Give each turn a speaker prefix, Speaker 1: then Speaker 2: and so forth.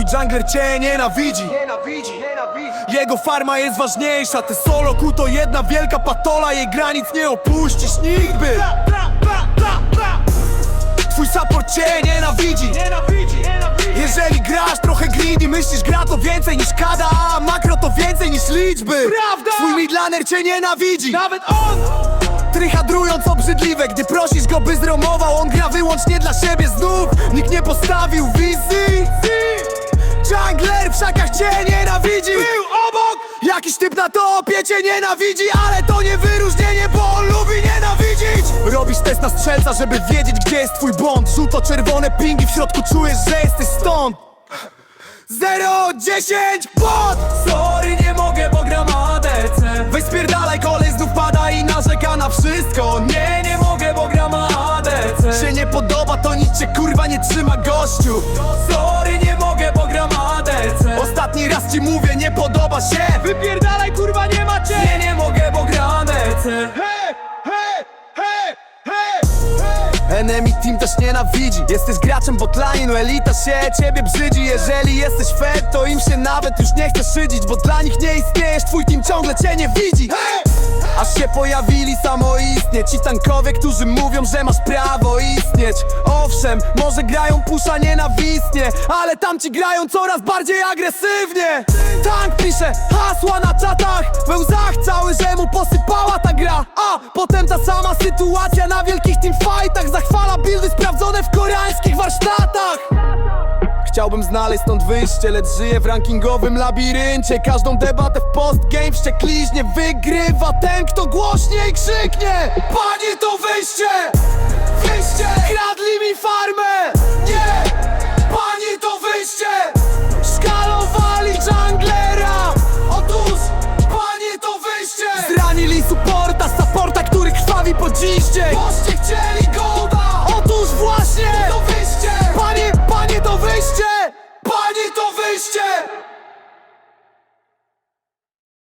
Speaker 1: jungler cię nienawidzi. Jego farma jest ważniejsza, te solo Q to jedna wielka patola. Jej granic nie opuścisz nigdy. Twój support cię nienawidzi. Jeżeli grasz trochę greedy, myślisz gra to więcej niż kada, a makro to więcej niż liczby. Prawda! Twój midlaner cię nienawidzi. Nawet on! Tryhadrując obrzydliwe, gdy prosisz go by zromował, on gra wyłącznie dla siebie znów. Nikt nie postawił wizji. Jungler w szakach cię nienawidzi. Był obok! Jakiś typ na topie cię nienawidzi, ale to nie wyróżnienie, bo on lubi nienawidzić. Robisz test na strzelca, żeby wiedzieć, gdzie jest twój błąd. Żółto-czerwone pingi, w środku czujesz, że jesteś stąd. 0-10 bot! Sorry, nie mogę, bo gram ADC. Weź spierdalaj, kolej znów pada i narzeka na wszystko. Nie mogę, bo gram ADC. Się nie podoba, to nic cię kurwa nie trzyma, gościu. Sorry, nie mogę, bo gram ADC. Ostatni raz ci mówię, nie podoba się. Wypierdalaj, kurwa, nie macie. Nie mogę, bo gram ADC. Enemy team też nienawidzi. Jesteś graczem botline, no elita się ciebie brzydzi. Jeżeli jesteś fair, to im się nawet już nie chce szydzić, bo dla nich nie istniejesz, twój team ciągle cię nie widzi. Aż się pojawili samoistnie ci tankowie, którzy mówią, że masz prawo istnieć. Owszem, może grają pusza nienawistnie, ale tamci grają coraz bardziej agresywnie. Tank pisze hasła na czatach, we łzach cały, że mu posypała ta gra. A potem ta sama sytuacja na wielkich teamfightach. Zachwala buildy sprawdzone w koreańskich warsztatach. Chciałbym znaleźć stąd wyjście, lecz żyję w rankingowym labiryncie. Każdą debatę w postgame wściekliźnie wygrywa ten, kto głośniej krzyknie: panie, to wyjście!